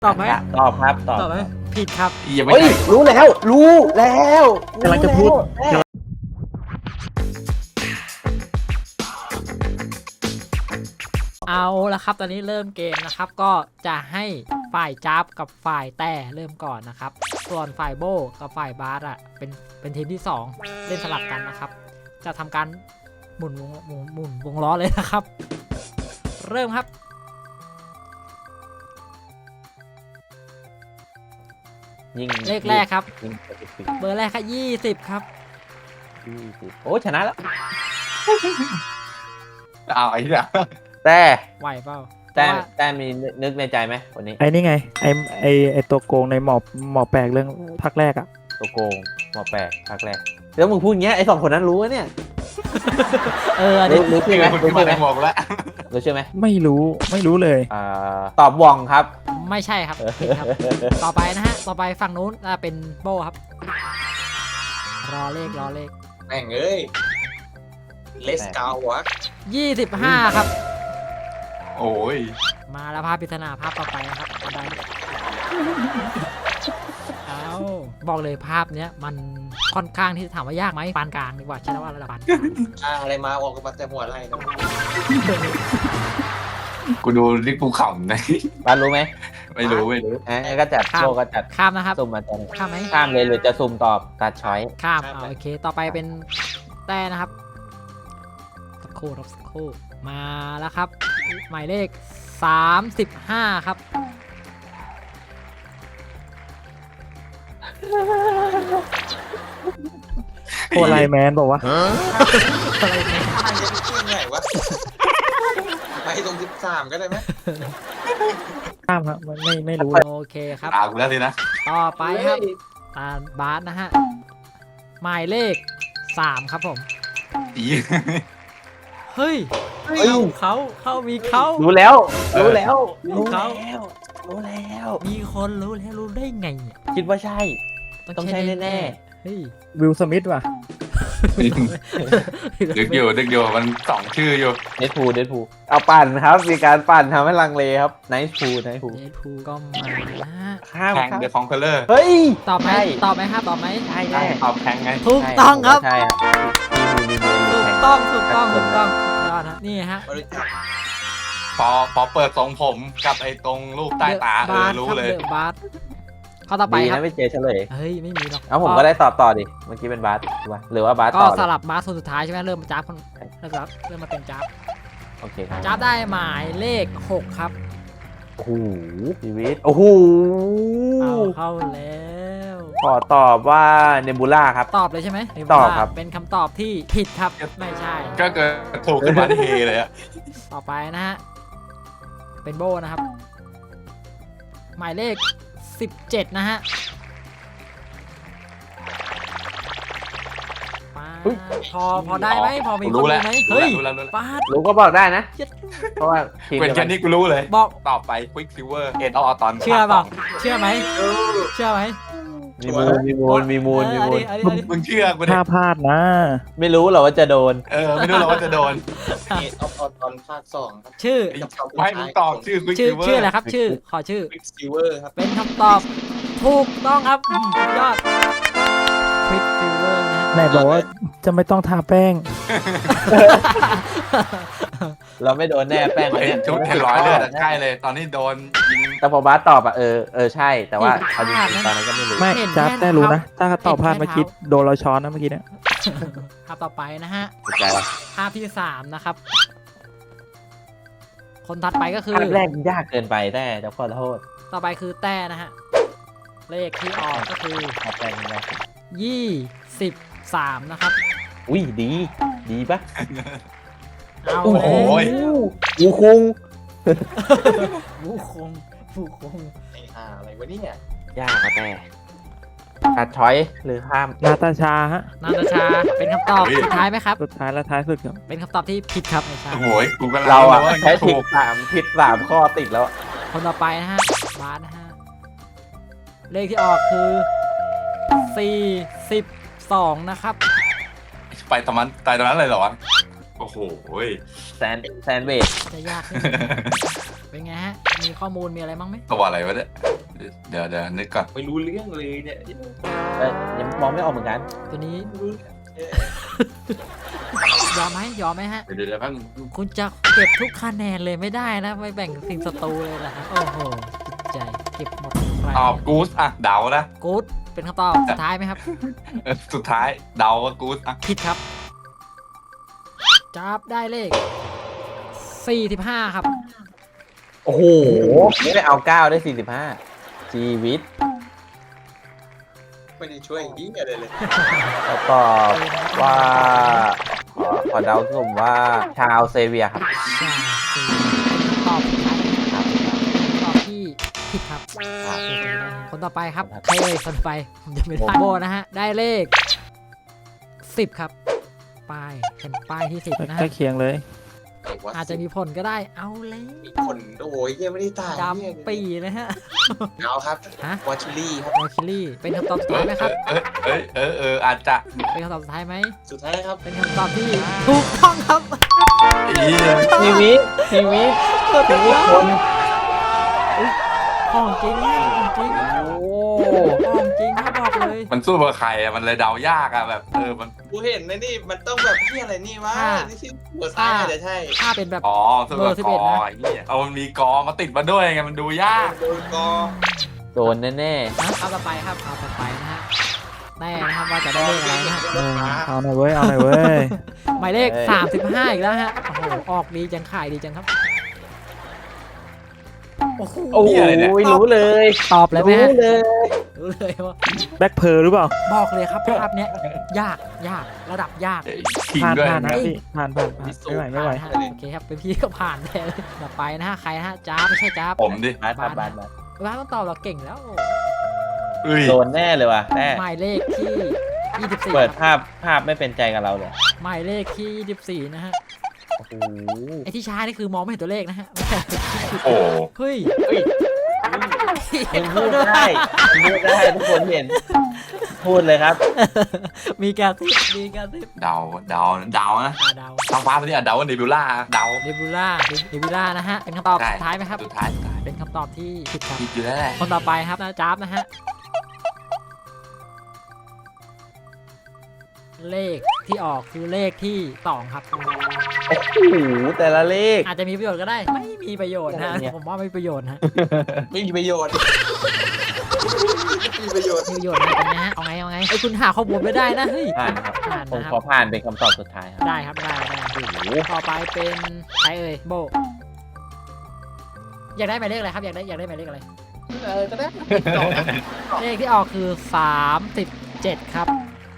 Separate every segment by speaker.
Speaker 1: ตอบไหม
Speaker 2: ตอบครับตอบ
Speaker 1: ตอบไหมผิดครับ
Speaker 3: ยังไม่
Speaker 2: เฮ้ย
Speaker 3: ใช่
Speaker 2: รู้แล้ว
Speaker 4: กำลังจะพูด
Speaker 1: เอาละครับตอนนี้เริ่มเกมนะครับก็จะให้ฝ่ายจับกับฝ่ายแต่เริ่มก่อนนะครับส่วนฝ่ายโบกับฝ่ายบาสอ่ะเป็นทีมที่ 2 เล่นสลับกันนะครับจะทำการหมุนวงล้อเลยนะครับ เริ่มครับ
Speaker 2: ยิง
Speaker 1: เลขแรกครับ
Speaker 2: ยิง
Speaker 1: เบอร์แรกครับ20ครับ
Speaker 2: โอ้ชนะแล้ว
Speaker 3: เอาไอ้เนี่ย
Speaker 2: แต่
Speaker 1: ไหวเปล่า
Speaker 2: แต่มีนึกในใจไหมวันนี้
Speaker 4: ไอ้นี่ไงไอตัวโกงในหมอแปลกเรื่องภาคแรกอ่ะ
Speaker 2: ตัวโกงหมอแปลกภาคแรกแล้วมึงพูดอย่างเงี้ยไอ้2 คนนั้นรู้เนี่ย
Speaker 1: อันนี้
Speaker 2: รู้
Speaker 3: คื
Speaker 2: ใช่
Speaker 3: อ
Speaker 2: ไหม
Speaker 3: คุณ
Speaker 2: รู้
Speaker 3: ที่มา
Speaker 2: ใช่ไหม
Speaker 3: ในหมวกแล้ว
Speaker 2: รู้ใช่ไหม
Speaker 4: ไม่รู้เลย
Speaker 2: ตอบว่องครับ
Speaker 1: ไม่ใช่ครับผิดครับ ต่อไปนะฮะต่อไปฝั่งนู้นเป็นโบครับรอเลข
Speaker 5: แม่งเอ้ยเลสกาววะ
Speaker 1: 25ครับ
Speaker 3: โอ้ย
Speaker 1: มาแล้วภาพปริศนาภาพต่อไปนะครับอันใดเอาบอกเลยภาพเนี้ยมันค่อนข้างที่จะถามว่ายากไหมปานกลางดีกว่าใช่ไหมว่าระดับปานกลาง
Speaker 5: อะไรมาออกกันมาแต่หัวไรนะ
Speaker 3: กูดูลิกภูเขานะ
Speaker 2: บ้านรู้ไหม
Speaker 3: ไม่รู้
Speaker 2: ก็จัดโลก็จัด
Speaker 1: ข้ามนะครับ
Speaker 2: ซุ่มมาจัด
Speaker 1: ข้ามไหม
Speaker 2: ข้ามเลยหรือจะซุ่มตอบตัดช้อย
Speaker 1: ข้ามโอเคต่อไปเป็นแต่นะครับสักครู่มาแล้วครับ หมายเลข35ครับ
Speaker 4: โคไลแมนบอกว่า
Speaker 1: อะไรเนี่ย
Speaker 5: ไอ้จะชื่อไงวะไปตรง13ก็ได้ไหม
Speaker 4: ข้ามครับไม่รู้
Speaker 1: โอเคครับ
Speaker 3: ตากูแล้วสินะ
Speaker 1: ต่อไปครับตาบาสนะฮะหมายเลข3ครับผม
Speaker 3: อี
Speaker 1: เฮ้ยเขามีเขา
Speaker 2: รู้แล้ว
Speaker 1: รู้
Speaker 2: รู้
Speaker 1: แล้
Speaker 2: แล้ว
Speaker 1: มีคนรู้แล้วรู้ได้ไงเนี่ย
Speaker 2: คิดว่าใช่ ต้องใช่แน่
Speaker 1: เฮ้ย
Speaker 4: วิลสมิธว่ะ
Speaker 3: ดึกอยู่มัน2 ชื่ออยู่
Speaker 2: เดดพูเอาปั่นครับมีการปั่นทำให้ลังเลครับไนท์พู
Speaker 1: เดดพูก็มานะ
Speaker 2: ข้าม
Speaker 3: แทง
Speaker 2: ครับ
Speaker 3: เดอะคองเคอร์เลอร์
Speaker 2: เฮ้ย
Speaker 1: ตอบไหม
Speaker 2: ใช่
Speaker 1: ตอบไหมครับตอบไหม
Speaker 2: ใช่
Speaker 3: ใช่
Speaker 2: แน่
Speaker 3: ตอบแทงไง
Speaker 1: ถูกต้องครับ
Speaker 2: ใช่ครับมีมื
Speaker 1: ถูก
Speaker 2: แข่
Speaker 1: ต้องยอดนะนี่ฮะ
Speaker 5: บริจาค
Speaker 3: พอเปิดทรงผมกับไอ้ตรงรูปใต้ตารู้เลย
Speaker 1: เดอะบาสข้อต่อไป
Speaker 2: ดี
Speaker 1: ครั
Speaker 2: นะ
Speaker 1: บ
Speaker 2: ไม่เจอเฉลย
Speaker 1: เฮ้ยไม่มีหรอก
Speaker 2: เอาผมก็ได้ตอบต่อดิเมื่อกี้เป็นบาสถูกปะหรือว่าบาส
Speaker 1: ก็
Speaker 2: ต่อ
Speaker 1: สลับบาสคนสุดท้ายใช่ไหมเริ่มมาจับคนเริ่มมาเป็นจับ
Speaker 2: โอเคครับ
Speaker 1: จับได้หมายเลข6ครับ
Speaker 2: โอ้โหชีวิตโอ้โห
Speaker 1: เอาเข้าแล้ว
Speaker 2: ขอตอบว่าเนบูล่าครับ
Speaker 1: ตอบเลยใช่ไหม
Speaker 2: ตอบครับ
Speaker 1: เป็นคำตอบที่ผิดครับไม่ใช่
Speaker 3: ก็เกิดถูกขึ้นมาที่เฮเลยอะ
Speaker 1: ต่อไปนะฮะเป็นโบนะครับ หมายเลข17นะฮะพอได้ไหมพอมีคน
Speaker 3: รู้
Speaker 1: รู้
Speaker 3: แล้ว
Speaker 1: ไหมเฮ้ย
Speaker 3: รู้แล้ว
Speaker 1: บาส
Speaker 2: รู้ก็บอกได้นะ
Speaker 1: เจ็ด
Speaker 2: เพราะว่าทีม
Speaker 3: เป็น
Speaker 2: เดียว
Speaker 3: แค่
Speaker 2: กัน
Speaker 3: นี้กูรู้เลย
Speaker 1: บอก
Speaker 3: ต่อไปควิกซิเวอร์เอ็ดออตอน
Speaker 1: เชื่อเปล่าเชื่อไหมเชื่อไหม
Speaker 2: มีมูล
Speaker 1: อันนี้
Speaker 3: มึงเชื่อกูดิ
Speaker 4: ถ้าพลาดนะ
Speaker 2: ไม่รู้หรอกว่าจะโดน
Speaker 3: ไม่รู้หรอกว่าจะโดน
Speaker 5: เอออตอนภาค2ครับ
Speaker 1: ชื่อ
Speaker 3: ไม่มึงตอบชื่อควิก
Speaker 1: ชื่อ
Speaker 3: ซิเวอร์
Speaker 1: ชื่ออะไรครับชื่อขอชื่อ
Speaker 5: ฟิกซิเวอร์ครับ
Speaker 1: เป็นคำตอบถูกต้องครับยอด Quick Silver นะฮะ
Speaker 4: ไหนบอกว่าจะไม่ต้องทาแป้ง
Speaker 2: เราไม่โดนแน่แป้ง
Speaker 3: เห็นชุดเห็นร้อยเลือดอะใกล้เลย ตอนนี้โดนยิง
Speaker 2: แต่พอบาสตอบอ่ะใช่แต่ว่าเอาจริงๆตอนนั้นก็ไม่รู้
Speaker 4: ไม่จับได้รู้นะ ถ้าตอบพลาดเมื่อกี้โดนเราช้อนนะเมื่อกี้เนี่ย
Speaker 1: ภาพต่อไปนะฮะ
Speaker 2: ถูกใจว่ะ
Speaker 1: ภาพที่3นะครับ คนถัดไปก็คือ
Speaker 2: ภาพแรกยากเกินไปแต่จะขอโทษ
Speaker 1: ต่อไปคือแต่นะฮะ เลขที่ออกก็คือ
Speaker 2: ภาพแรกยาก
Speaker 1: 23นะครับ
Speaker 2: อุ้ยดีปะ
Speaker 1: เอา
Speaker 3: โอ้
Speaker 1: เล
Speaker 3: โห
Speaker 1: ย
Speaker 2: อูคุง
Speaker 1: ผู้คง
Speaker 5: ไอ้ห่าอะไรวะเนี่ย
Speaker 2: ยากอะแต่ตัดช้อยหรือข้าม
Speaker 4: นาตาชาฮะ
Speaker 1: นาตาชาเป็นคำตอบสุดท้ายไหมครับ
Speaker 4: สุดท้ายและท้ายสุดครับ
Speaker 1: เป็นคำตอบที่ผิดครับไม่ใช่
Speaker 3: โอ้โหกูกำลัง
Speaker 2: เราอ่ะ
Speaker 3: ว่า
Speaker 2: ใช้ผิ
Speaker 3: ถู
Speaker 2: ด
Speaker 3: ก
Speaker 2: 3ข้อติดแล้ว
Speaker 1: คนต่อไปนะฮะบาสนะฮะ เลขที่ออกคือ 42 นะครับ
Speaker 3: ไปตอนนั้นเลยเหรอวะโอ้โห
Speaker 2: แซนเวด
Speaker 1: จะยากขึ้น เป็นไงฮะมีข้อมูลมีอะไรบ้างไหม
Speaker 3: ตัวอะไรวะเนี่ยเดี๋ยวนึกก่อน
Speaker 5: ไม่รู้เรื่องเลยเนี่ย
Speaker 2: ยังมองไม่ออกเหมือนกัน
Speaker 1: ตัวนี้
Speaker 5: ไม่รู้เอ๊ะ
Speaker 1: ยอมไหมฮะ
Speaker 3: เดี๋ยวแป๊บนึง
Speaker 1: คุณจะเก็บทุกคะแนนเลยไม่ได้นะไม่แบ่งสิ่งศัตรูเลยนะโอ้โหจิตใจเก็บหมดใคร
Speaker 3: ตอบกู๊ดอ่ะเดานะ
Speaker 1: กู๊ดเป็นคำตอบสุดท้ายไหมครับ
Speaker 3: สุดท้ายเดาว่ากู๊ดอ่ะ
Speaker 1: ผิดครับจับได้เลข 45 ครับ
Speaker 2: โอ้โหไม่ได้เอา9ได้45ชีวิต
Speaker 5: ไม่ได้ช่วยยิ่งอะไรเลย
Speaker 2: แล้วตอบว่าขอเดาสุ่มว่าชาวเซเวียครับ
Speaker 1: ใช่สี่ตอบสุดท้ายนะครับตอบที่ผิดครับ
Speaker 2: ครับ
Speaker 1: คนต่อไปครับใครเอ่ยคนต่อไปผมจะไม่ได้โบนะฮะได้เลข 10 ครับป้ายเป็นป้ายที่ 10 นะ
Speaker 4: ใกล้
Speaker 1: ฮะ
Speaker 4: เคียงเลย
Speaker 1: อาจจะมีผลก็ได้เอาเลย
Speaker 5: มีคนโอ้ยยังไม่ได้ตาย
Speaker 1: ดำปีเลยฮะ
Speaker 5: เอาครับ
Speaker 1: ฮะ
Speaker 5: วอชลี่ครับ
Speaker 1: โอคิลี่เป็นคำตอบสุดท้ายไหมครับ
Speaker 3: อาจจะ
Speaker 1: เป็นคำตอบสุดท้ายไหม
Speaker 5: สุดท้ายครับ
Speaker 1: เป็นคำตอบที่ถูกต้องครับ
Speaker 2: ชีวิตชีวิตคน
Speaker 1: ของจริงนะของจริง
Speaker 2: โอ้
Speaker 1: ของจริงนะบอกเลย
Speaker 3: มันสู้กับใครอ่ะมันเลยเดายากอ่ะแบบมัน
Speaker 5: กูเห็นนะนี่มันต้องแบบที่อะไรนี่วะ
Speaker 1: ค่ะ
Speaker 5: นี่ที่หัวซ้ายอาจจะใช่
Speaker 1: ถ้าเป็นแบบ
Speaker 3: อ๋อสู้กับ
Speaker 1: เบอร์
Speaker 3: ก
Speaker 1: 11
Speaker 3: อ
Speaker 1: นะ
Speaker 3: ไอ้เหี้ยเอามันมีกอมาติดมาด้วยไงมันดูยาก
Speaker 5: โดนกอ
Speaker 2: โดนแน่
Speaker 1: นะเอาต่อไปครับเอาต่อไปนะฮะแน่นะครับว่าจะได้เลขอะไรนะฮะ
Speaker 4: เอาหน่อยเว้ย เอาหน่อยเว้ย
Speaker 1: หมายเลข 35 อีกแล้วฮะโอ้โหออกดีจังขายดีจังครับโอ้โห
Speaker 2: ๆโอ้ยรู้เลย
Speaker 1: ตอบเลยไหม
Speaker 2: รู้
Speaker 1: ฮะ
Speaker 2: เลย
Speaker 1: รู้เลยว่า
Speaker 4: แบ็คเพร์หรือเปล่า
Speaker 1: บอกเลยครับภาพเนี้ยยากระดับยาก
Speaker 3: ขิง
Speaker 4: ผ่าน
Speaker 3: ด้วย
Speaker 4: ผ่านนะ
Speaker 1: เฮ้ย
Speaker 4: พี่ผ่านไม่ไหวไม่ไหว
Speaker 1: ผ่านนะฮะโอเคครับเป็นพี่ก็ผ่านแน่เลยต่อไปนะฮะใครนะฮะจ้าบไม่ใช่จ้าบ
Speaker 3: ผมดิ
Speaker 2: บาส
Speaker 1: บาต้องตอบเราเก่งแล้ว
Speaker 3: เอ้ย
Speaker 2: โดนแน่เลยว่ะแน่
Speaker 1: หมายเลขที่ 24
Speaker 2: เปิด
Speaker 1: ครับ
Speaker 2: ภาพไม่เป็นใจกับเราเลย
Speaker 1: หมายเลขที่ 24 นะฮะ
Speaker 2: โอ้โห
Speaker 1: ไอที่ช้านี่คือมองไม่เห็นตัวเลขนะฮะ
Speaker 3: โอ้
Speaker 1: เฮ้ย
Speaker 2: มันพูดได้มันพูดได้ทุกคนเห็น พูดเลยครับ
Speaker 1: มีการซิบมีการซิบ
Speaker 3: เดานะ
Speaker 1: ดาว
Speaker 3: ทางฟ้าตัวนี้เดาว่าเนบิวล่าเดา
Speaker 1: เดบิล่านะฮะเป็นคำตอบสุดท้ายไหมครับ
Speaker 3: สุดท้าย
Speaker 1: เป็นคำตอบที่ผิดครับ
Speaker 3: ผิดอยู่แล้วแหละ
Speaker 1: คนต่อไปครับนะจ๊าบนะฮะเลขที่ออกคือเลขที่ 2 ครับ
Speaker 2: โอ้โหแต่ละเลข
Speaker 1: อาจจะมีประโยชน์ก็ได้ ไม่มีประโยชน์นะ
Speaker 2: เนี่ย
Speaker 1: ผมว่าไม่มีประโยชน์นะ
Speaker 5: ไม่มีประโยชน์ไม่มีประโยชน์
Speaker 1: มีประโยชน์นะเป็นไงฮะเอาไงไอ้ยคุณหาข้อมูลไม่ได้นะเฮ้ย
Speaker 2: ผ่านครับ
Speaker 1: ผ่าน
Speaker 2: ผม
Speaker 1: นะค
Speaker 2: ข
Speaker 1: รั
Speaker 2: อบ ผ่านเป็นคำตอบสุดท้ายครับ
Speaker 1: ได้ครับได้
Speaker 2: โอ้โห
Speaker 1: ต่อไปเป็นใครเอ่ยโบอยากได้หมายเลขอะไรครับอยากได้หมายเลขอะไร
Speaker 5: ก็ได้
Speaker 1: เลขที่ออกคือ 37 ครับ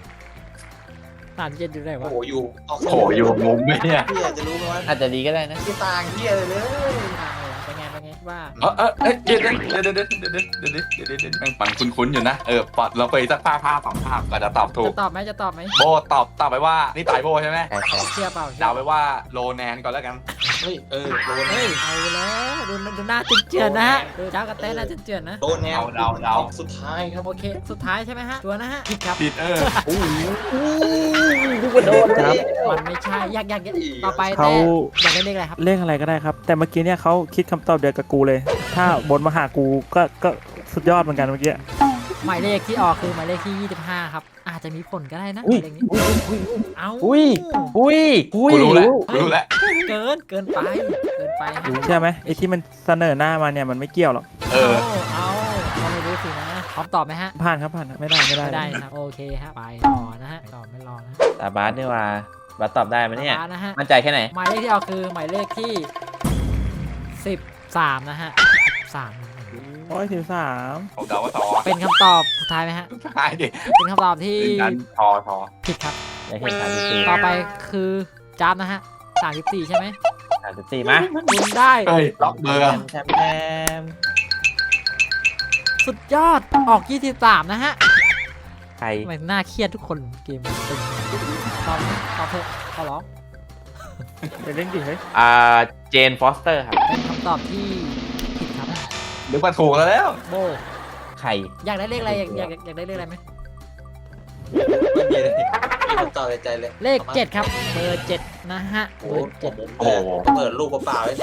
Speaker 1: 37อยู่ไหน
Speaker 5: โอ้
Speaker 1: วะ
Speaker 5: โหอยู่ออก
Speaker 3: โอ้อยู่มุมไหมเนี่ย
Speaker 5: พี่อาจจะรู้ไหมว่า
Speaker 2: อาจจะดีก็ได้นะ
Speaker 5: ที่ต่างเที่ยเลย
Speaker 1: เป็นไงว่า
Speaker 3: เดี๋ยวแม่งปันคุ้นๆอยู่นะปอดเราไปสักภาพสองภาพก็จะตอบถูก
Speaker 1: จะตอบไหม
Speaker 3: โบตอบไปว่านี่ตายโบใช่ไหม
Speaker 2: ใช่ใช่
Speaker 1: เชื่อเปล่า
Speaker 3: เดาไปว่าโลแนนก่อนแล้วกัน
Speaker 5: เฮ้ยโดน
Speaker 1: เฮ้ยเอาแล้วดูหน้าเจือนๆนะฮะดูเจ้ากระเต้หน้าเจือนๆนะ
Speaker 5: โดนแนว
Speaker 3: เดา
Speaker 5: สุดท้ายครับ
Speaker 1: โอเคสุดท้ายใช่ไหมฮะตัวนะฮะผิดครับ
Speaker 3: ผิด
Speaker 2: โอ้โหทุกคนโดนเลย
Speaker 1: มันไม่ใช่ยากต่อไป
Speaker 4: เขา
Speaker 1: แต่อยากได้เลขอะไรครับ
Speaker 4: เลขอะไรก็ได้ครับ แต่เมื่อกี้เนี่ยเขาคิดคำตอบเดียวกับกูเลย ถ้าบนมาหากูก็สุดยอดเหมือนกันเมื่อกี้
Speaker 1: หมายเลขที่ออกคือหมายเลขที่ 25 ครับ อาจจะมีผลก็ได้นะ
Speaker 2: อุ้ย
Speaker 1: เลขนี้ เอ้า
Speaker 2: อุ้ยอุ้ยอุ้ย
Speaker 3: กูรู้แล้ว
Speaker 1: เกินไปฮะ
Speaker 4: ใช่ไหมไอ้ที่มันเสนอหน้ามาเนี่ยมันไม่เกี่ยวหรอก
Speaker 1: เอาก็ไม่รู้สินะพร้อมตอบไหมฮะ
Speaker 4: ผ่านครับผ่านไม่ได้
Speaker 1: ไม่ได้ครับโอเคฮะไปต่อนะฮะตอบไม่รอนะ
Speaker 2: ตาบาสนี่ว่าบาสตอบได้ไหมเนี่ย
Speaker 1: นะฮะ
Speaker 2: มั่นใจแค่ไหน
Speaker 1: หมายเลขที่ออกคือหมายเลขที่ 13 นะฮะ13
Speaker 4: โอ้ย13
Speaker 3: ผมเดาว่าทอ
Speaker 1: เป็นคำตอบสุดท้ายไหมฮะ
Speaker 3: สุดท้ายดิ
Speaker 1: เป็นคำตอบที่
Speaker 3: ดันทอ
Speaker 1: ผิดครับ
Speaker 2: อยากเห็น34
Speaker 1: ต่อไปคือจ้าบนะฮะ34 ใช่ไหม
Speaker 2: 34มา
Speaker 1: คุณได้
Speaker 3: เฮ้ยล็อกเบอร์
Speaker 2: แชมแชม
Speaker 1: สุดยอดออก 23 นะฮะ
Speaker 2: ใคร
Speaker 1: ทำไมน่าเครียดทุกคนเกมมันเป็นตอบเถอะขอร้อง
Speaker 4: ไปเล่นดิเฮ้ย
Speaker 2: เจนฟอสเตอร์ครับ
Speaker 1: เป็นคำตอบที่ผิดครับ
Speaker 3: นึกว่าถูกแล้ว
Speaker 1: โบ
Speaker 2: ใคร
Speaker 1: อยากได้เลขอะไรอยากได้เลขอะไรไหม
Speaker 5: ไม่มีเลยมีคำตอบในใจเลย
Speaker 1: เลข 7 ครับเบอร์ 7 นะฮะ
Speaker 5: โอ้
Speaker 1: เบอร์
Speaker 5: ผม
Speaker 3: โอ้โห
Speaker 5: เปิดลูกเปล่าๆเลย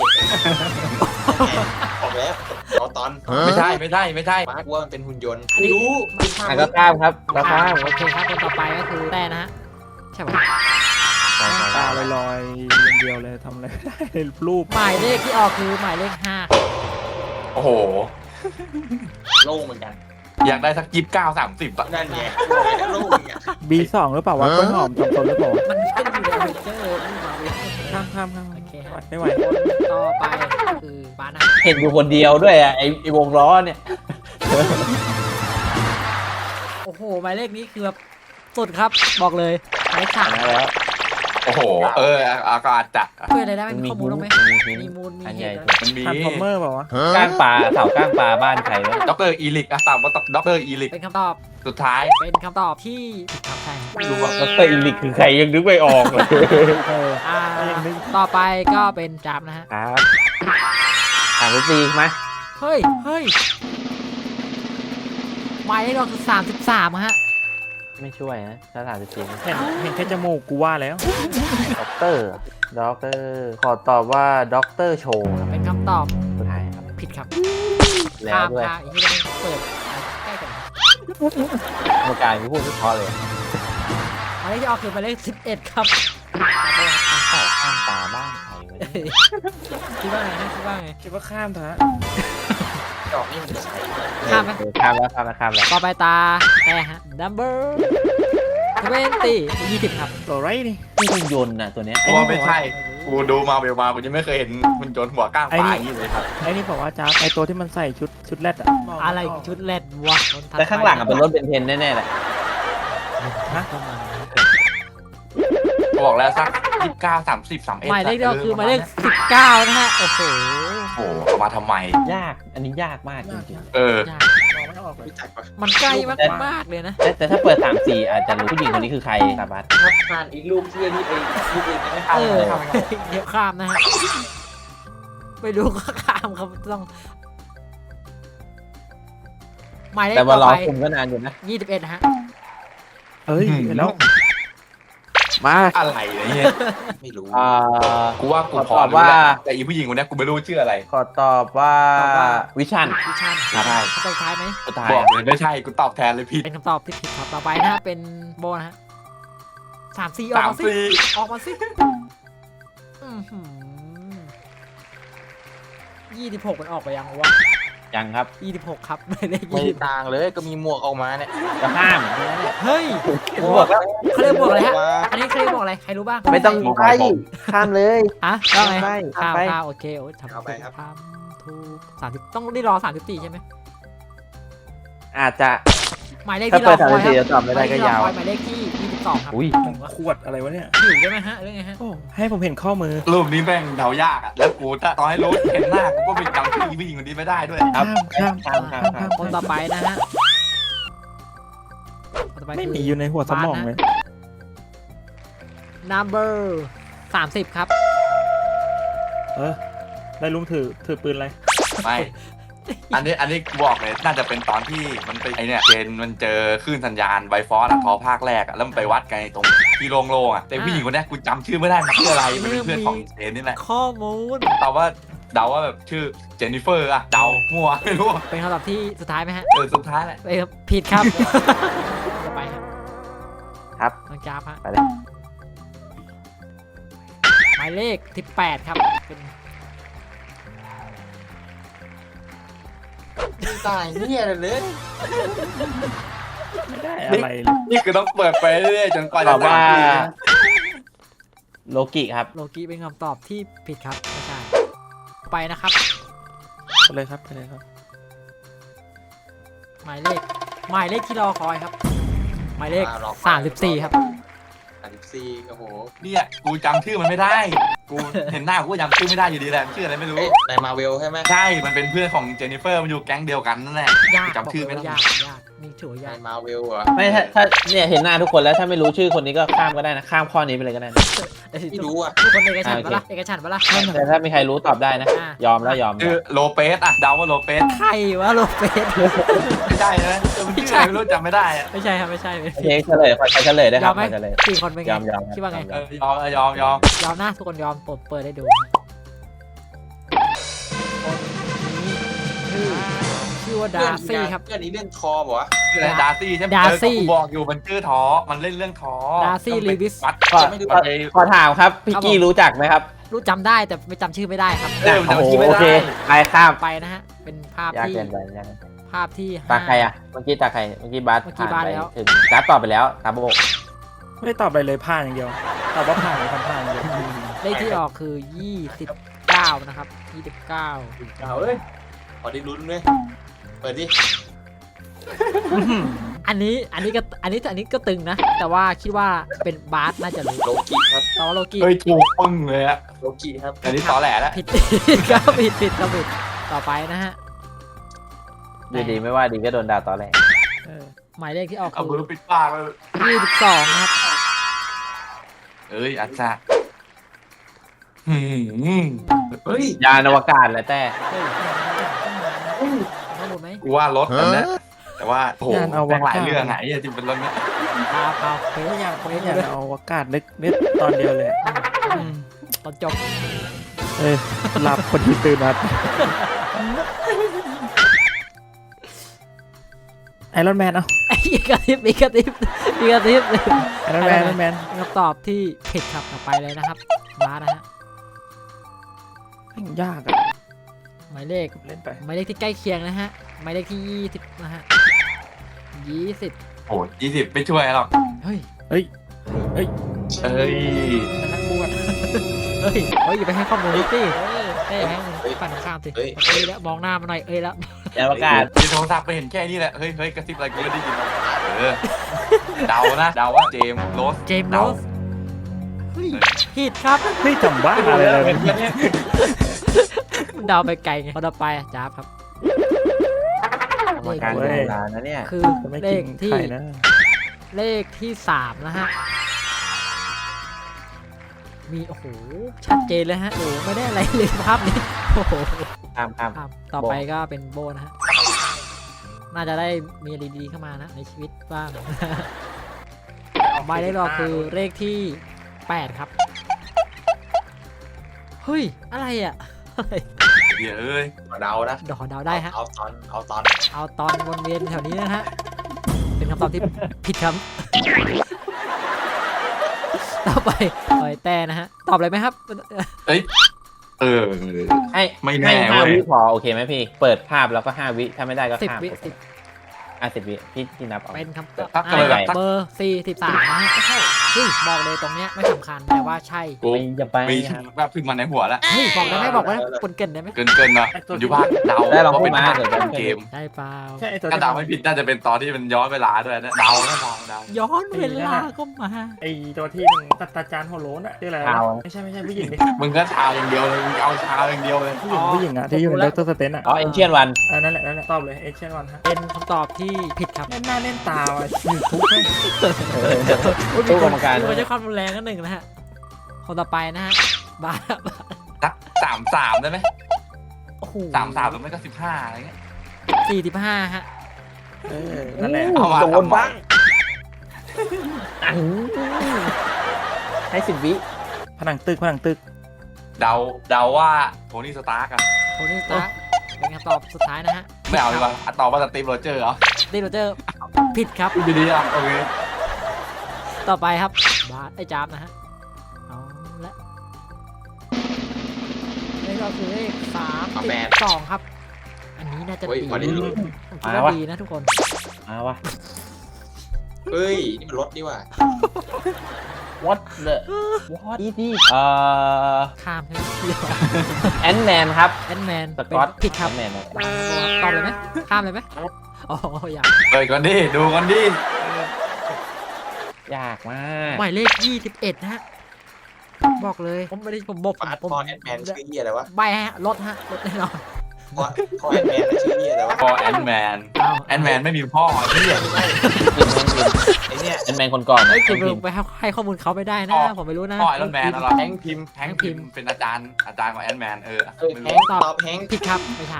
Speaker 5: บอกแล้วเอาตอน
Speaker 3: ไม่ใช่ไม่ใช่ไม่ใช่
Speaker 5: มาร์กว่ามันเป็นหุ่นยนต์
Speaker 1: อันนี้
Speaker 5: รู้ไม่ทราบ
Speaker 2: ก็ข้ามครับก็ข้าม
Speaker 1: โอเคครับคนต่อไปก็คือแต่นะฮะใช่ปะ
Speaker 4: ตาลอยๆอย่างเดียวเลยทำอะไรไม่ได้เลยรูป
Speaker 1: หมายเลขที่ออกคือหมายเลข
Speaker 3: โอ้โห
Speaker 5: โล่งเหมือนกัน
Speaker 3: อยากได้สัก29-30อะ
Speaker 5: นั่นไงโล่งเนี่ย
Speaker 4: B2 หรือเปล่าวะกล้วยหอมจำตนหรือเปล่า
Speaker 1: 5 มันไม่ได้อยู่ในเจอร์นี่มาเว้ย
Speaker 4: ข้าม
Speaker 1: โอเคฮะ
Speaker 4: ไม่ไหว
Speaker 1: คนต่อไปก็คือบานะ
Speaker 2: เห็นอยู่คนเดียวด้วยอ่ะไอ้วงล้อเนี่ย
Speaker 1: โอ้โหหมายเลขนี้คือแบบสุดครับบอกเลยหมายเลข 3
Speaker 2: มาแล้ว
Speaker 3: โอ้โหก็อาจจะ
Speaker 1: ช่วยอะไรได้ไหมมีข้อมูลบ้างไหม
Speaker 2: มี
Speaker 1: มีมูลมี
Speaker 2: อัน
Speaker 1: เห
Speaker 2: ใหญ่
Speaker 1: ตุอะไร
Speaker 3: มันมี
Speaker 4: ทานฟอร์เมอร์เปล่าวะ
Speaker 2: ก้างปลาเสาก้างปลาบ้านใครวะ
Speaker 3: ดรอีลิกอะตามว่าดรอีลิก
Speaker 1: เป็นคำตอบ
Speaker 3: สุดท้าย
Speaker 1: เป็นคำตอบที่ผิดครับใช่
Speaker 3: ไม่รู้ว่า
Speaker 2: ดรอีลิกคือใครยังนึกไม่ออกเลย
Speaker 4: เออ ยังนึก
Speaker 1: ต่อไปก็เป็นจับนะฮะ
Speaker 2: ครับถามตีไหม
Speaker 1: เฮ้ยหมายเลขเราคือ33ฮะ
Speaker 2: ไม่ช่วยนะถ้าถามตี
Speaker 4: เห็นแค่จมูกกูว่าแล้ว
Speaker 2: ด็อกเตอร์ขอตอบว่าด็อกเตอร์โชว์ครับ
Speaker 1: เป็นคำตอบ
Speaker 2: สุดท้ายครับ
Speaker 1: ผิดครับ
Speaker 2: แล้วด้วย
Speaker 1: ข้ามอีกที่จะเปิดใกล้กัน
Speaker 2: กรรมการที่พูดไม่เพอเลย
Speaker 1: หมายเลขที่ออกคือหมายเลข11ครับ
Speaker 2: เสาก้างปลาบ้านใครวะ
Speaker 1: คิดว่าไงฮะคิดว่าไง
Speaker 4: คิดว่าข้ามเถอะ
Speaker 5: ดอกนี่มันใช้
Speaker 1: ข้ามไหม
Speaker 2: ข้ามแล้ว
Speaker 1: ต่อไปตาแต่ฮะ number 20ครับ
Speaker 4: ตัวไรนี่
Speaker 2: นี่คุณยนต์น่ะตัวเนี้ย
Speaker 3: เพราะว่าไม่ใช่ กูดูมาเวลมากูยังไม่เคยเห็นมันโจนหัวก้างปลาอย่างนี้เลยครับ
Speaker 4: ไอ้นี่บอกว่าจ้าไอ้ตัวที่มันใส่ชุดแรดอะ
Speaker 1: อะไรชุดแรดวะ
Speaker 2: แต่ข้างหลังอะเป็นรถเบนเทนแน่ๆแหละ
Speaker 4: ฮะ
Speaker 3: บอกแล้วสัก29-30-31
Speaker 1: หมายเลขเดียวคือหมายเลข19นะฮะโอ้โห
Speaker 3: โอ้โหเอามาทำไม
Speaker 2: ยากอันนี้ยากมากจริง
Speaker 3: เออ
Speaker 1: ยาก
Speaker 4: มองไม่ออกเลย
Speaker 5: รู้จักปะ
Speaker 1: มันใกล้มากๆเลยนะ
Speaker 2: ๆแต่ถ้าเปิด3-4อาจจะรู้ผู้หญิงคนนี้คือใครสาบัด
Speaker 5: ถ้าผ่านอีกลูกที่นี่เองลูกเองไม่
Speaker 1: เอ
Speaker 5: ผ่าน
Speaker 1: อเดี๋ยวข้ามนะฮะไม่รู้ก็ข้ามครับต้องหมายเลข
Speaker 2: แต่
Speaker 1: ต่
Speaker 2: ว่า
Speaker 1: อ
Speaker 2: รอ
Speaker 1: ไป
Speaker 2: คุมก็นานอยู่นะ
Speaker 1: 21นะฮะ
Speaker 4: เฮ้ยเห็นแล้ว
Speaker 2: มา
Speaker 3: อะไรเนี่ย
Speaker 5: ไม่รู้
Speaker 3: กูว่ากูพอ
Speaker 2: ตอบ
Speaker 3: รู้
Speaker 2: ว่า
Speaker 3: แล้วแต่อีผู้หญิงคนเนี้ยกูไม่รู้ชื่ออะไร
Speaker 2: ขอตอบว่าวิชัน
Speaker 1: วิชัน
Speaker 2: ครับ
Speaker 1: คำตอบสุดท้ายไหม
Speaker 2: สุดท้าย
Speaker 3: บอกเลยไม่ใช่กูตอบแทนเลยผิด
Speaker 1: เป็นคำตอบที่ผิดครับต่อไปนะฮะเป็นโบนะฮะ3-4ออกมาสิ
Speaker 3: 3-4
Speaker 1: ออกมาสิ26มันออกไปยังวะ
Speaker 2: ยังครับ
Speaker 1: 26ครับไม่ได้
Speaker 5: ไม่ต่างเลยก็มีหมวกออกมาเนี่ย
Speaker 2: จะห้ามแค่นั้นแหละ
Speaker 1: เฮ้ย
Speaker 2: ผมบอกแล้ว
Speaker 1: เขาเรียกบวกอะไรฮะ
Speaker 5: มา
Speaker 1: อันนี้เขาเรียกบวกอะไร ใครรู้บ้าง
Speaker 2: ไม่ต้องไปข้ามเลย
Speaker 1: ฮะว่าไง
Speaker 2: ไป
Speaker 1: ข้าม
Speaker 2: ไป
Speaker 1: ข้ามโอเคโอ้ยทำ
Speaker 5: เอาไปครับ
Speaker 1: ทำถูก30ต้องได้รอ34ใช่ไหม
Speaker 2: อาจจะ
Speaker 1: หมายเลข
Speaker 2: ถ้า
Speaker 1: ที่ร
Speaker 2: เปิ
Speaker 1: อ
Speaker 2: ด
Speaker 1: คอยค
Speaker 2: 3-4
Speaker 1: รับ
Speaker 2: จะตอบไม่ได้ก็ยาว
Speaker 1: หมายเลขที่22ครับ
Speaker 2: อุ้ย
Speaker 4: ขวดอะไรวะเนี่ย
Speaker 1: หิวใช่ไหมฮะเรื่องไงฮะ
Speaker 4: โอ้ให้ผมเห็นข้อมือ
Speaker 3: รูปนี้แม่งเดายากอ่ะ แล้วกูถ้าตอนให้รู้เห็นหน้ากูก็ไปจำชื่ออีผู้หญิงคนนี้ไม่ได้ด้วย
Speaker 2: ครับ
Speaker 4: ข้าม
Speaker 1: คนต่อไปนะฮะคนต่อไป
Speaker 4: ไม่
Speaker 1: คื
Speaker 4: มีอยู่ในหัวสมองเลย
Speaker 1: number 30ครับ
Speaker 4: เออได้ลุงถือปืนอะไร
Speaker 3: ไม่ อันนี้กูบอกเลยน่าจะเป็นตอนที่มันไปไอเนี่ยเจนมันเจอคลื่นสัญญาณไวฟอสอะทอภาคแรกอะแล้วมันไปวัดกันตรงที่โล่งๆอะแต่ผู้หญิงคนเนี้ยกูจำชื่อไม่ได้มันชื่ออะไรมันเป็นเพื่อนของเจนนี่แหละ
Speaker 1: ข้อมูล
Speaker 3: ตอบว่าเดาว่าแบบชื่อเจนนิเฟอร์อะเดามั่วไม่รู้
Speaker 1: เป็นคำตอบที่สุดท้ายไหมฮะ
Speaker 3: สุดท้ายแหละ
Speaker 1: ผิดครับ ต่อไปครับ
Speaker 2: ครับ
Speaker 1: น้องจ้าบฮะ
Speaker 2: ไปเลย
Speaker 1: หมายเลข18ครับเป็น
Speaker 5: ต่างเนี่ยเลย
Speaker 4: ไม่ได้อะไรเลย
Speaker 3: นี่คือต้องเปิดไปเรื่อยๆจนกว่า
Speaker 2: ต
Speaker 3: จะ
Speaker 2: อบว่า
Speaker 3: 3 ปี
Speaker 2: โลกิครับ
Speaker 1: โลกี้เป็นคำตอบที่ผิดครับไม่ใช่ไปนะครับ
Speaker 4: ไปเลยครับ
Speaker 1: หมายเลขที่รอคอยครับ หมายเลข34ครับ
Speaker 5: 34โอ้โห
Speaker 3: เนี่ยกูจำชื่อมันไม่ได้ กูเห็นหน้ากูก็จำชื่อไม่ได้อยู่ดีแหละชื่ออะไรไม่รู้
Speaker 5: เอ๊ะในมาเวลใช่ไหม
Speaker 3: ใช่มันเป็นเพื่อนของเจนนิเฟอร์มันอยู่แก๊งเดียวกันนั่นแหละ
Speaker 1: ยาก
Speaker 3: จำชื่อไม่ได้
Speaker 1: ยากนี่ถือว่า
Speaker 5: ใน
Speaker 1: ยาก
Speaker 5: มาเวลเหรอ
Speaker 2: ไม่ถ้าเนี่ยเห็นหน้าทุกคนแล้วถ้าไม่รู้ชื่อคนนี้ก็ข้ามก็ได้นะ ข้ามข้อนี้ไปเลยก็ได้นะ
Speaker 5: ไม่รู้อ่ะ
Speaker 1: ทุกคนเอกฉันท์ปะล่ะเอกฉันท์ปะล่ะ
Speaker 2: แต่ถ้ามีใครรู้ตอบได้นะ ยอมแล้วยอม
Speaker 3: คือโลเปสอะเดาว่าโลเปส
Speaker 1: ใครวะโลเปส
Speaker 3: ไม่ใช่นะมันชื่ออะไรไม่รู้จำไม่ได้อะ
Speaker 1: ไม่ใช่ครับไม่ใช่ไม่
Speaker 2: โอ
Speaker 1: ใช่
Speaker 2: เคเฉลยขอเฉลยได้ค
Speaker 1: ย
Speaker 2: รั
Speaker 1: อบ มไหม
Speaker 2: ขอเฉลย
Speaker 1: สี่คนเป็นไง
Speaker 2: ยอม
Speaker 1: คิดว่าไง
Speaker 3: ยอมยอม
Speaker 1: ยอมนะทุกคนยอมเปิดให้ดูคนนี้ชื่อว่าดาร์ซี่ครับ
Speaker 5: เพื่อนนี้เล่นทอมวะ
Speaker 3: ชื่ออะไรดาร์ซี่ใช่ไหม
Speaker 1: ดาร์ซี่
Speaker 3: กูบอกอยู่มันชื่อท้อมันเล่นเรื่องท้อ
Speaker 1: ดาร์ซี่ลีวิส
Speaker 3: วัด
Speaker 2: ขอถามครับพี่กี้รู้จักไหมครับ
Speaker 1: รู้จำได้แต่ไม่จำชื่อไม่ได้ครับ
Speaker 3: มันจำชื่อไม่
Speaker 2: โอ
Speaker 3: ได้
Speaker 2: เคไปข้าม
Speaker 1: ไปนะฮะเป็นภาพ
Speaker 2: ยาก
Speaker 1: ที่
Speaker 2: เกินไปยาก
Speaker 1: ภาพที่
Speaker 2: ตาใครอ่ะเมื่อกี้ตาใครเมื่อกี้บาส
Speaker 1: เมื่อกี้
Speaker 2: ผ่าน
Speaker 1: บาส
Speaker 2: ไป
Speaker 1: แล้ว
Speaker 2: ถึงการ์ดตอบไปแล้วตาโบก
Speaker 4: ไม่ได้ตอบอะไรเลยผ่านอย่างเดียวตอบว่าผ่านผ่านอย่างเดียว
Speaker 1: เลขที่ออกคือ 29 นะครับ 29
Speaker 5: เอาเอ้ยพอได้ลุ้นเลยเปิดดิ
Speaker 1: อันนี้ก็ตึงนะ แต่ว่าคิดว่าเป็นบาสน่าจะรู้
Speaker 5: โลกิครับ
Speaker 1: แต่ว่าโลกี้
Speaker 3: เฮ้ยถูกปึ้งเลยอะ
Speaker 5: โลกิครับ
Speaker 3: อันนี้ตอแหลแล้ว
Speaker 1: ผิด ก็ผิดต่อไปนะฮะ
Speaker 2: ดีๆไม่ว่าดีก็โดนด่าตอนแรก
Speaker 1: หมายเลขที่ออก
Speaker 3: เอา
Speaker 1: คื
Speaker 3: มือ
Speaker 1: อ
Speaker 3: ปิดปากเลย
Speaker 1: 22นะครับ
Speaker 3: เอ้ยอาจารย์เฮ้ย
Speaker 2: ยานอวกาศเลยแต่
Speaker 1: เฮ้ยข้อมูลไหม
Speaker 3: กูว่ารถมันนะแต่ว่าโอ้โหแม่งหลายเรื่องไงที่เป็นรถเนี้ย
Speaker 1: พาเฟซ
Speaker 4: ไม่อยาก
Speaker 1: เฟ
Speaker 4: ไม่
Speaker 1: ซ
Speaker 4: อยาก
Speaker 1: เลย
Speaker 4: เอาอากาศนึกตอนเดียวเลย
Speaker 1: ตอนจบ
Speaker 4: หลับคนที่ตื่นมาไอรอนแมนเอา
Speaker 1: อีกกระติบ
Speaker 4: ไอรอนแมน
Speaker 1: เป็นคำตอบที่ผิดครับต่อไปเลยนะครับบาสนะฮะ
Speaker 4: ยากอะ
Speaker 1: หมายเลข
Speaker 4: เล่นไป
Speaker 1: หมายเลขที่ใกล้เคียงนะฮะหมายเลขที่20นะฮะ20
Speaker 3: โอ้20ไม่ช่วยหรอก
Speaker 1: เฮ้ย
Speaker 3: เอ้ย
Speaker 4: นักบวช
Speaker 1: เฮ้ยอย่าไปให้ข้อมูลสิเต้ให้มันฝั่งตรงข้ามสิเอ้ยแล้วมองหน้ามาหน่อยเอ้ยแล้ว
Speaker 2: ยานอวกาศ
Speaker 3: ที่โทรศัพท์ไปเห็นแค่นี้แหละเฮ้ยกระซิบอะไรกูไม่ได้ยินเดานะเดาว่าเจมส์โรส
Speaker 1: เจมส์โรสเฮ้ยผิดครับ
Speaker 4: เฮ้ยจำบ้าอะไรเลย
Speaker 1: เดาไปไกลไงพอต่อไปอ่ะจ้าบครับ
Speaker 2: กรรมการดูเวลานะเนี่ย
Speaker 1: คือ
Speaker 4: จะไม่
Speaker 1: เล
Speaker 4: กิ
Speaker 1: ข
Speaker 4: น
Speaker 1: ที่
Speaker 4: ไข่นะ
Speaker 1: เลขที่3นะฮะมีโอ้โหชัดเจนเลยฮะโอ้ไม่ได้อะไรเลยภาพนี้โอ้โห
Speaker 2: ข้าม
Speaker 1: ครับต่อไปก็เป็นโบนะฮะ น่าจะได้มีอะไรดีๆเข้ามานะในชีวิตบ้าง หมายเลขรอคือเลขที่ 8 ครับ เฮ้ย อะไรอ่ะอะไร
Speaker 3: เดี๋ยวเอ้ย
Speaker 5: เดานะ
Speaker 1: เดาเดาได้ฮะ
Speaker 5: เอาตอน
Speaker 1: เอาตอนวนเวียนแถวนี้นะฮะ เป็นคำตอบที่ผิดครับ ต่อไปแต่นะฮะ ตอบเลยไหมครับ
Speaker 3: เออ
Speaker 2: ให้
Speaker 3: ไม่แน่
Speaker 2: ให้5
Speaker 3: เว้ย
Speaker 2: วิพอโอเคไหมพี่ เปิดภาพแล้วก็5 วิถ้าไม่ได้ก็
Speaker 1: 10
Speaker 2: ข้าม
Speaker 1: วิ
Speaker 2: 10 วิพี่นับเอา
Speaker 1: เป็นคำตอบ
Speaker 3: ถ้าเกิดแบบ
Speaker 1: เบอร์43นะฮะก็ใช่เฮ้ยบอกเลยตรงเนี้ยไม่สำคัญแต่ว่าใช่
Speaker 3: กู
Speaker 2: ไม่จะไป
Speaker 3: มี
Speaker 2: ครับ
Speaker 3: แบบขึ้นมาในหัวแล้ว
Speaker 1: เฮ้ยบอกได้ไหมบอกว่าคนเกินได้ไหม
Speaker 3: เกินเนาะมันอยู่ภาคเดา
Speaker 2: ได้ลอง
Speaker 3: ว่า
Speaker 2: พู
Speaker 3: เป็
Speaker 2: ด
Speaker 3: น
Speaker 2: มา
Speaker 3: ภาค
Speaker 2: เดี๋ยวจะ
Speaker 3: เกม
Speaker 1: ได้เปล่า
Speaker 4: ใช่ไอตัว
Speaker 3: ถ้าเดาไม่ผิดน่าจะเป็นตอนที่มันย้อนเวลาด้วยนะเดา
Speaker 1: ย้อนเวลาก็มา
Speaker 4: ไอตัวที่มันตัดตาจานหัวโล้นอะชื่ออะไรไม่ใช่ผู้หญิงดิ
Speaker 3: มึงก็ชาอย่างเดียวเลยมึงเอาชาอย่างเดียวเลย
Speaker 4: ผู้หญิงอะที่อยู่ในด็อกเตอร์สเตนอะ
Speaker 2: อ๋อเอนเชียนวัน
Speaker 4: นั่นแหละตอบเลยเอเชียนวันฮะ
Speaker 1: เป็นคำตอบที่ผิดครับ
Speaker 4: เล่นหน้าเล่นตาว่ะอยู่ทุกข์เลย
Speaker 2: ตู้กรรมการ
Speaker 1: ดูใช้ความรุนแรงกันหนึ่งนะฮะคนต่อไปนะฮะบาร์
Speaker 3: สัก33ได้ไหม
Speaker 1: โอ้โห
Speaker 3: 33หรือไม่ก็15อะไรเงี้ย
Speaker 1: 45ฮะ
Speaker 4: นั่นแหละ
Speaker 3: เอามา
Speaker 2: โดน
Speaker 3: ทำไม
Speaker 2: บ้างให้10 วิ
Speaker 4: ผนังตึก
Speaker 3: เดาว่าโทนี่สตาร์กอะ
Speaker 1: โทนี่สตาร์คเป็นคำตอบสุดท้ายนะฮะ
Speaker 3: ไม่เอาดีกว่าตอบว่าสตีฟโรเจอร์เหรอ
Speaker 1: ตีโรเจอร์ผิดครับ
Speaker 3: ดีๆอ่ะโอเค
Speaker 1: ต่อไปครับบาร์ไอ้จ๊าบนะฮะเอาละเลขก็คือเลข32ครับ อันนี้น่าจะ
Speaker 5: เฮ้ย
Speaker 1: ดี
Speaker 5: พอได้ลุ้น
Speaker 1: ผมคิดว่าดีนะทุกคน
Speaker 2: มาวะ
Speaker 5: เฮ้ยนี่มันรถนี่ว่ะ
Speaker 2: what the what is this
Speaker 1: ข้ามใช่ไหม
Speaker 2: แอนแมนครับ
Speaker 1: แอนแมน
Speaker 2: สกอต
Speaker 1: ผิดครับ
Speaker 2: แอนแมน
Speaker 1: ตอบเลยไหมข้ามเลยไหมอ๋ออยาก
Speaker 3: เปิดก่อนดิดูก่อนดิ
Speaker 2: ยากมาก
Speaker 1: หมายเลข21นะฮะบอกเลยผมไม่ได้ผมบอก
Speaker 5: ฟาสต์
Speaker 1: ผม
Speaker 5: ฟอร์แอนแมนชื่อเหี้ยอะไรวะ
Speaker 1: ใบฮะรถฮะรถแน่นอน
Speaker 5: ขอแอนแมนนะชื่อเหี้ยแต่ว่า
Speaker 3: พอแอนแมน
Speaker 1: เอา
Speaker 3: แอนแมนไม่มีพ่อไอ้เหี้ย
Speaker 5: ไอ้เนี่ย
Speaker 2: เป็นแมนคนก่อน
Speaker 1: เอ้ยเก็บไปให้ข้อมูลเขาไม่ได้นะ ผมไม่รู้นะ
Speaker 3: พ่อไอรอนแมนอะไร
Speaker 5: แฮงค์พิมพ์
Speaker 3: แฮงค์พิมพ์เป็นอาจารย์ของแอนแมนไม่
Speaker 5: แฮ
Speaker 3: รู้
Speaker 5: งค์ตอบแฮงค์
Speaker 1: ผิดครับไม่ใช่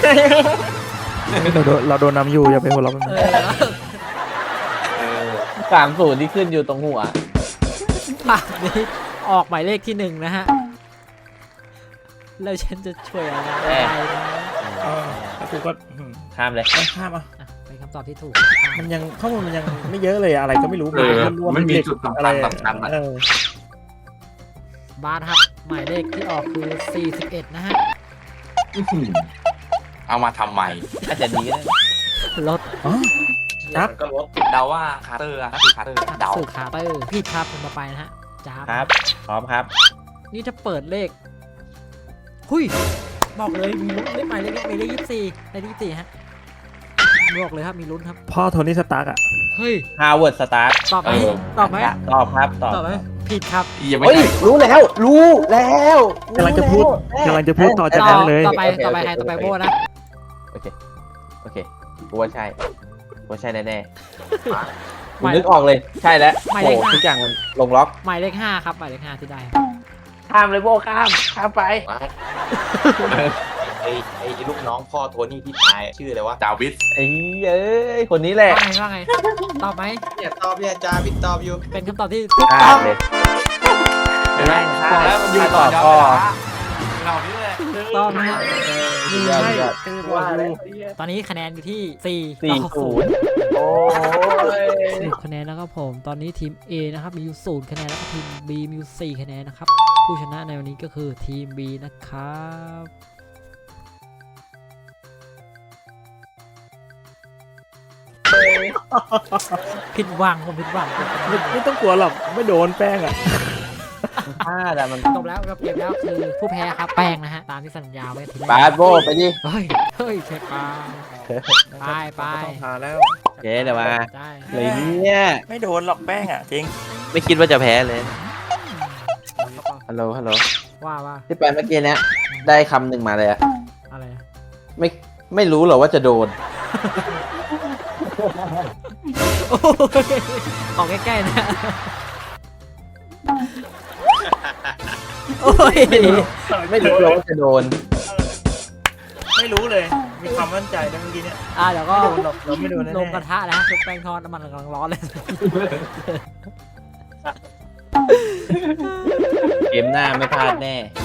Speaker 4: เราโดนนำอยู่อย่าไปหัวเราะมัน
Speaker 2: 30ที่ขึ้นอยู่ตรงหัว
Speaker 1: ภาพนี้ออกหมายเลขที่1นะฮะแล้วฉันจะช่วยอะไรได้นะ
Speaker 4: แล้วกูก็
Speaker 2: ข้ามเลย
Speaker 4: ข้ามอ่ะ
Speaker 1: อ่ะเป็นคำตอบที่ถูก
Speaker 4: มันยังข้อมูลมันยังไม่เยอะเลยอะไรก็ไม่รู้
Speaker 3: ไม่มีจุดสำคัญอะ
Speaker 1: บาสครับ หมายเลขที่ออกคือ 41 นะฮะ
Speaker 3: เอามาทำไม
Speaker 2: อาจจะดีก็ได้
Speaker 1: รถ
Speaker 4: ครับ
Speaker 5: มันก็ลด
Speaker 3: เดาว่าคาร์เตอร์ก็คือคาร์เตอร์เดา
Speaker 1: สื่อคาร์เตอร์ผิดครับคนต่อไปนะฮะจ้าบ
Speaker 2: ครับพร้อมครับ
Speaker 1: นี่ถ้าเปิดเลขหุยบอกเลยมีลุ้นเลขหมายเลขนี้หมายเลข24เลข24ฮะบอกเลยครับมีลุ้นครับ
Speaker 4: พ่อโทนี่สตาร์กอ่ะ
Speaker 1: เฮ้ย
Speaker 2: ฮาวเวิร์ดสตาร์
Speaker 1: ตอบไหมตอบไหม
Speaker 2: ตอบครับตอบ
Speaker 1: ตอบไหมผิดครับ
Speaker 3: ยังไม่
Speaker 2: เฮ้ย
Speaker 3: ใช่
Speaker 2: รู้แล้ว
Speaker 4: กำลังจะพูดต่อจากนั้นเลย
Speaker 1: ต่อไปใครต่อไปโบนะ
Speaker 2: โอเคกูว่าใช่แน่ๆ
Speaker 1: ห
Speaker 2: กู
Speaker 1: มาย
Speaker 2: นึกออกเลยใช่แล้ว
Speaker 1: หมายเล
Speaker 2: โอ้
Speaker 1: ขห้า
Speaker 2: ทุกอย่างมันลงล็อก
Speaker 1: หมายเลข5ครับหมายเลข5ที่ได้
Speaker 2: ข้ามเลยโบข้ามไป
Speaker 5: ไอ้ลูกน้องพ่อโทนี่ที่ตายชื่ออะไรวะ
Speaker 3: จาวิส
Speaker 2: ไอ้เอ้ยคนนี้แหละ
Speaker 1: ว่าไงตอบไหม
Speaker 5: เนี่ยตอบเนี่ยจาวิตตอบอยู่
Speaker 1: เป็นคำตอบที่ถูก
Speaker 2: ข้า
Speaker 1: ต้อง
Speaker 2: มเลย
Speaker 3: เห็นไหมบอกแล้วมันอยู่ต่อยาวเรานี่แหละ
Speaker 1: ต้องนะฮะ
Speaker 2: ยอดยอด
Speaker 5: ว่าอะไร
Speaker 1: ตอนนี้คะแนนอยู่ที่4
Speaker 2: 40โอ้ย
Speaker 1: 10คะแนนนะครับผม ตอนนี้ทีม A นะครับมีอยู่0คะแนนแล้วก็ทีม B มีอยู่4คะแนนนะครับ ผู้ชนะในวันนี้ก็คือทีม B นะครับผิดหวังผมผิดหวัง
Speaker 4: ไม่ต้องกลัวหรอกไม่โดนแป้งอ่ะ
Speaker 2: พลาดอะมัน
Speaker 1: จบแล้วกับเกมแล้วคือผู้แพ้ครับแป้งนะฮะ ตามที่สัญญาไว้ทีแรก
Speaker 2: บาสโบไปดิ
Speaker 1: เฮ้ยเช็คไป
Speaker 4: ต้องพาแล้ว
Speaker 2: โอเคเดี๋ยวมา
Speaker 1: ได้
Speaker 2: เลยเนี่ย
Speaker 4: ไม่โดนหรอกแป้งอ่ะจริง
Speaker 2: ไม่คิดว่าจะแพ้เลยฮัลโหล
Speaker 1: ว่า
Speaker 2: ที่ไปเมื่อกี้เนี้ยได้คำหนึ่งมาเลยอะ
Speaker 1: อะไรอะ
Speaker 2: ไม่รู้หรอว่าจะโดน
Speaker 1: โอ้ยออกใกล้ๆนะโอ้ย
Speaker 2: ไม่รู้หรอว่าจะโดน
Speaker 4: ไม่รู้เลย มีความมั่นใจนะเมื่อกี้เนี่ย
Speaker 1: เดี๋ยวก็
Speaker 4: ไม่โดนหรอกเราไม่โดนแน่
Speaker 1: ลงกระทะนะชุบแป้งทอดน้ำมันกำลังร้อนเลย
Speaker 2: เกมหน้าไม่พลาดแน่